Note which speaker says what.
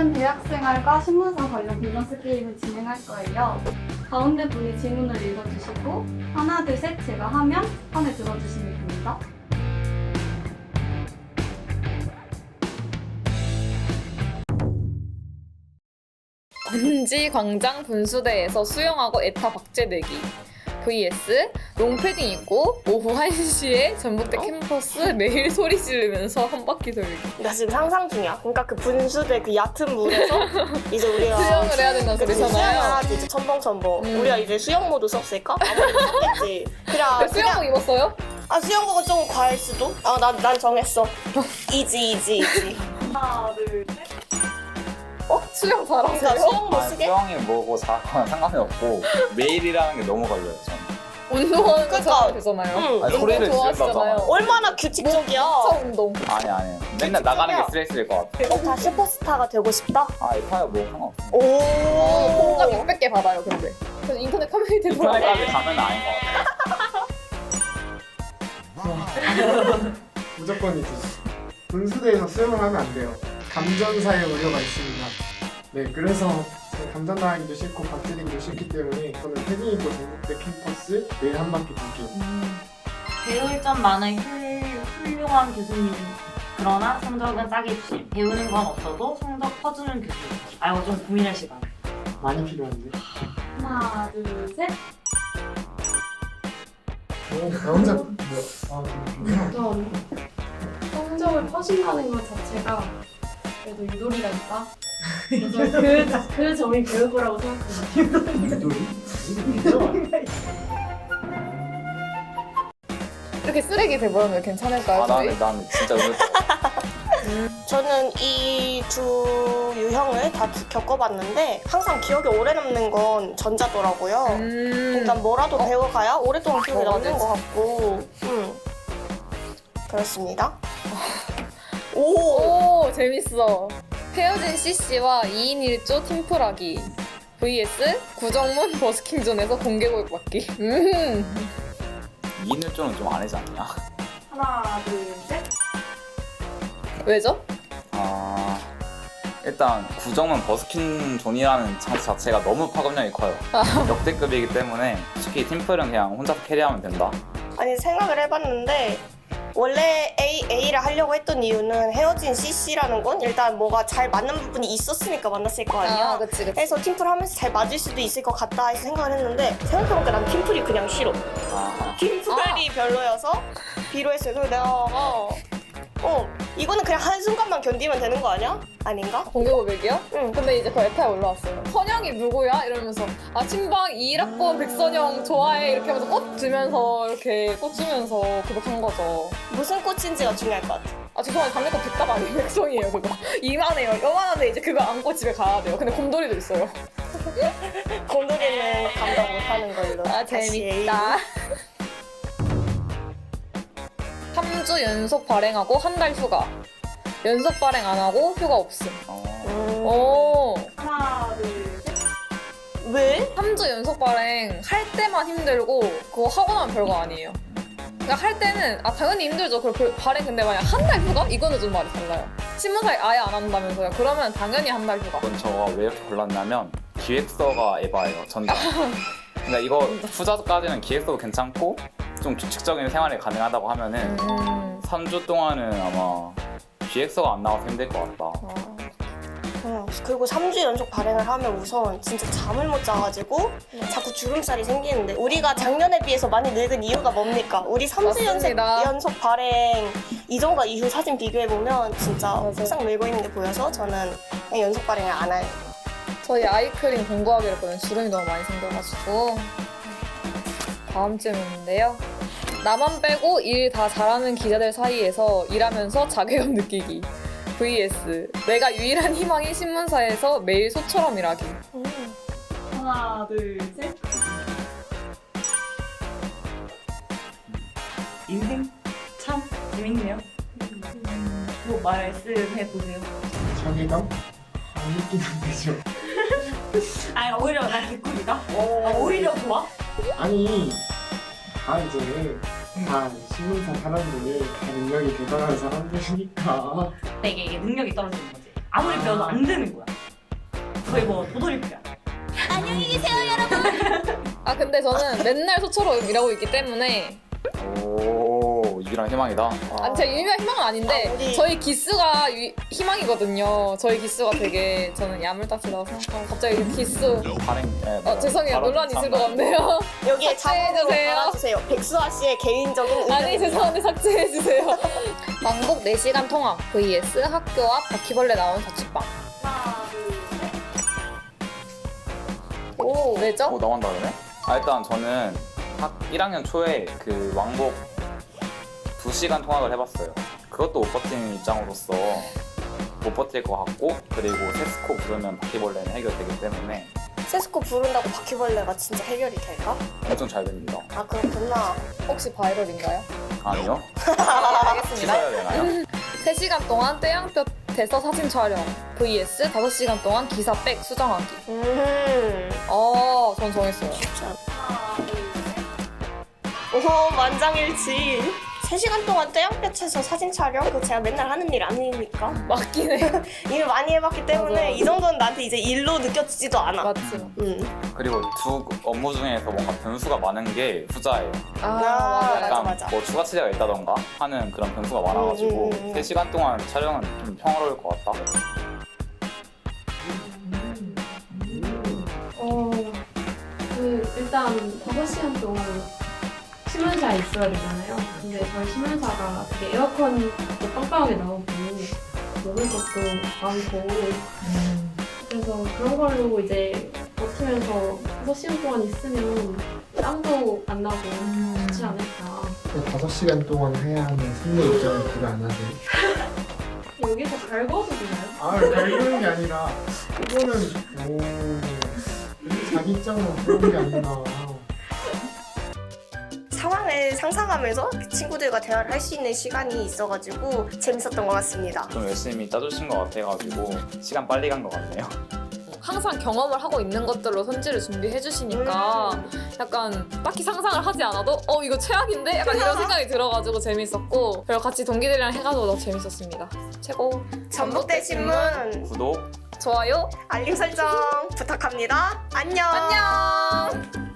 Speaker 1: 오늘은 대학생활과 신문사 관련 밸런스 게임을 진행할 거예요. 가운데 분이 질문을 읽어주시고 하나, 둘, 셋 제가 하면 판에 들어주시면 됩니다.
Speaker 2: 건지 광장 분수대에서 수영하고 에타 박제 내기 vs 롱패딩 입고 오후 1시에 전북대 캠퍼스 매일 소리 지르면서 한 바퀴 돌기.
Speaker 3: 나 지금 상상 중이야. 그러니까 그 분수대 그 얕은 물에서 이제 우리가
Speaker 2: 수영을 해야 된다는
Speaker 3: 그치, 수영을
Speaker 2: 소리잖아요.
Speaker 3: 하지 이제 첨벙첨벙. 우리가 이제 수영 모드 썼을까? 아무래도 썼겠지.
Speaker 2: 수영복 입었어요?
Speaker 3: 수영복은 좀 과할 수도? 난 정했어. 이지.
Speaker 1: 하나, 둘, 셋.
Speaker 2: 수영
Speaker 3: 그러니까
Speaker 2: 잘하세요?
Speaker 3: 수영복 쓰게?
Speaker 4: 수영이 뭐고 자거나 상관이 없고 매일이라는 게 너무 걸려요 저는.
Speaker 2: 운동하는 거
Speaker 3: 그러니까.
Speaker 2: 잘하면 되잖아요.
Speaker 3: 응.
Speaker 4: 아니,
Speaker 2: 운동
Speaker 4: 소리를
Speaker 2: 좋아하시잖아요.
Speaker 4: 지른다잖아.
Speaker 3: 얼마나 규칙적이야.
Speaker 2: 차 운동.
Speaker 4: 아니 맨날 나가는 게 스트레스일 것 같아.
Speaker 3: 다 슈퍼스타가 되고 싶다?
Speaker 4: 이파야 뭐 상관없어.
Speaker 3: 오.
Speaker 2: 공감 600개 받아요, 근데. 그래서 인터넷 커뮤니티
Speaker 4: 인터넷까지 가면 아닌 것 같아.
Speaker 5: 무조건이지. 분수대에서 수영을 하면 안 돼요. 감전사의 우려가 있습니다. 네, 그래서 감전당하기도 싫고 박제되기도 싫기 때문에 저는 패딩 입고 전국대 캠퍼스 매일 한 바퀴 돌기.
Speaker 6: 배울 점 많은 훌륭한 교수님. 그러나 성적은 짜게 주심. 배우는 건 없어도 성적 퍼주는 교수. 이거 좀 고민할 시간.
Speaker 5: 많이 필요한데.
Speaker 1: 하나, 둘, 셋.
Speaker 5: 나 혼자 뭐야?
Speaker 1: 전 성적을 퍼진다는 것 자체가 그래도 유도리가 있다. 그래서 그 점이 배울 거라고 생각합니다.
Speaker 2: 이렇게 쓰레기 돼버리면 괜찮을까요? 저희?
Speaker 4: 난 진짜 의외.
Speaker 3: 저는 이 두 유형을 다 겪어봤는데 항상 기억에 오래 남는 건 전자더라고요. 그러니까 뭐라도 배워가야 오랫동안 기억에 남는 것 같고 그렇습니다. 오!
Speaker 2: 오, 재밌어. 헤어진 CC와 2인 1조 팀플하기 vs 구정문 버스킹존에서 공개고백 받기.
Speaker 4: 2인일조는 좀 아니지 않냐?
Speaker 1: 하나, 둘, 셋.
Speaker 2: 왜죠?
Speaker 4: 일단 구정은 버스킨 존이라는 장치 자체가 너무 파급력이 커요. 역대급이기 때문에 솔직히 팀플은 그냥 혼자 캐리하면 된다.
Speaker 3: 아니 생각을 해봤는데 원래 A를 하려고 했던 이유는 헤어진 CC라는 건 일단 뭐가 잘 맞는 부분이 있었으니까 만났을 거 아니야.
Speaker 2: 그치.
Speaker 3: 그래서 팀플 하면서 잘 맞을 수도 있을 것 같다 해서 생각을 했는데 생각해보니까 난 팀플이 그냥 싫어. 팀플이 별로여서 비로했어요. 그래서 내가 이거는 그냥 한순간만 견디면 되는 거 아니야? 아닌가?
Speaker 2: 공개고백이요?
Speaker 3: 응.
Speaker 2: 근데 이제 그 에타에 올라왔어요. 선영이 누구야? 이러면서 친방 2학번 백선영 좋아해 이렇게 하면서 꽃 주면서 이렇게 꽃 주면서 고백한 거죠.
Speaker 3: 무슨 꽃인지가 중요할 것 같아.
Speaker 2: 죄송한데 당연히 백답 아니에요. 백성이에요 그거. 이만해요. 요만한데 이제 그거 안고 집에 가야 돼요. 근데 곰돌이도 있어요.
Speaker 3: 곰돌이는 감당 못하는 걸로. 다시
Speaker 2: 재밌다. 3주 연속 발행하고 한 달 휴가. 연속 발행 안 하고 휴가 없음. 오.
Speaker 1: 하나, 둘, 셋.
Speaker 3: 왜?
Speaker 2: 3주 연속 발행 할 때만 힘들고 그거 하고 나면 별거 아니에요. 그러니까 할 때는 당연히 힘들죠. 그리고 발행 근데 만약 한 달 휴가? 이거는 좀 말이 달라요. 신문사에 아예 안 한다면서요. 그러면 당연히 한 달 휴가.
Speaker 4: 이건 저가 왜 이렇게 골랐냐면 기획서가 에바예요. 전자. 그러니까 이거 후자까지는 기획서도 괜찮고 좀 규칙적인 생활이 가능하다고 하면은 3주 동안은 아마 기획서가 안 나와서 힘들 것 같다.
Speaker 3: 그리고 3주 연속 발행을 하면 우선 진짜 잠을 못 자가지고 자꾸 주름살이 생기는데 우리가 작년에 비해서 많이 늙은 이유가 뭡니까? 우리 3주
Speaker 2: 맞습니다.
Speaker 3: 연속 발행 이전과 이후 사진 비교해보면 진짜
Speaker 2: 맞아요.
Speaker 3: 항상 늙어 있는 게 보여서 저는 그냥 연속 발행을 안 할래요.
Speaker 2: 저희 아이크림 공부하기로 했거든요. 주름이 너무 많이 생겨가지고. 다음 질문인데요. 나만 빼고 일 다 잘하는 기자들 사이에서 일하면서 자괴감 느끼기 vs 내가 유일한 희망인 신문사에서 매일 소처럼 일하기.
Speaker 1: 하나, 둘, 셋.
Speaker 6: 인생 참 재밌네요. 뭐 말씀해 보세요.
Speaker 5: 자기감? 안 느끼면 되죠.
Speaker 6: 오히려 난 개꿀이다. 오히려 좋아?
Speaker 5: 아니, 다 이제 다 신문사 사람들이 다 능력이 대단한 사람들이니까.
Speaker 6: 근데 이게 능력이 떨어지는 거지. 아무리 배워도 안 되는 거야. 거의 뭐 도돌이표야.
Speaker 2: 아 근데 저는 맨날 소처럼 일하고 있기 때문에
Speaker 4: 오 유일한 희망이다.
Speaker 2: 아니 제 유일한 희망은 아닌데
Speaker 3: 아, 우리-
Speaker 2: 저희 기수가 희망이거든요. 저희 기수가 되게 저는 야물딱지라고 생각하고 갑자기 기수
Speaker 4: 발행.
Speaker 2: 죄송해요. 논란 있을 것 같네요.
Speaker 3: 여기에 자막으로
Speaker 2: 삭제해주세요.
Speaker 3: 달아주세요. 백수아 씨의 개인적인 의견.
Speaker 2: 아니 죄송한데 삭제해주세요. 왕복 4시간 통학 vs 학교 앞 바퀴벌레 나온 자취방.
Speaker 1: 하나, 둘, 셋.
Speaker 2: 오 왜죠?
Speaker 4: 나온다 그러네? 일단 저는 1학년 초에 그 왕복 2시간 통학을 해봤어요. 그것도 못 버티는 입장으로서 못 버틸 것 같고, 그리고 세스코 부르면 바퀴벌레는 해결되기 때문에
Speaker 3: 세스코 부른다고 바퀴벌레가 진짜 해결이 될까?
Speaker 4: 엄청 잘 됩니다.
Speaker 3: 아 그렇구나.
Speaker 2: 혹시 바이럴인가요?
Speaker 4: 아니요?
Speaker 2: 알겠습니다.
Speaker 4: 씻어야 되나요?
Speaker 2: 3시간 동안 떼양볕에서 사진 촬영 vs 5시간 동안 기사 백 수정하기. 전 정했어요.
Speaker 1: 하나, 둘, 셋.
Speaker 3: 오 만장일치. 3시간 동안 떼양볕에서 사진 촬영? 그거 제가 맨날 하는 일 아닙니까?
Speaker 2: 맞긴 해.
Speaker 3: 일 많이 해봤기 때문에
Speaker 2: 맞아.
Speaker 3: 이 정도는 나한테 이제 일로 느껴지지도 않아.
Speaker 2: 맞지.
Speaker 4: 그리고 두 업무 중에서 뭔가 변수가 많은 게 후자예요.
Speaker 2: 맞아.
Speaker 4: 약간
Speaker 3: 맞아.
Speaker 4: 뭐 추가 치제가 있다던가 하는 그런 변수가 많아가지고 3시간 동안 촬영은 좀 평화로울 것 같다.
Speaker 7: 일단 5시간 동안 신문사에 있어야 되잖아요. 근데 저희 신문사가 되게 에어컨도 빵빵하게 나오고 먹을 것도 많고 그래서 그런 걸로 이제 버티면서 6시간 동안 있으면 땀도 안 나고 좋지 않을까.
Speaker 5: 5시간 동안 해야 하는 승무 입장을 그거 안 하세요?
Speaker 7: 여기서 갈궈도 되나요?
Speaker 5: 갈구는 게 아니라 이거는 자기 입장만 그런 게 아니라
Speaker 3: 상황을 상상하면서 친구들과 대화를 할 수 있는 시간이 있어가지고 재밌었던 것 같습니다.
Speaker 4: 좀 열심히 짜주신 것 같아가지고 시간 빨리 간 것 같네요.
Speaker 2: 항상 경험을 하고 있는 것들로 선지를 준비해 주시니까 약간 딱히 상상을 하지 않아도 이거 최악인데? 약간 이런 생각이 들어가지고 재밌었고, 그리고 같이 동기들이랑 해가지고 더 재밌었습니다. 최고.
Speaker 3: 전북대 신문
Speaker 4: 구독
Speaker 2: 좋아요.
Speaker 3: 알림 설정 부탁합니다. 안녕.
Speaker 2: 안녕.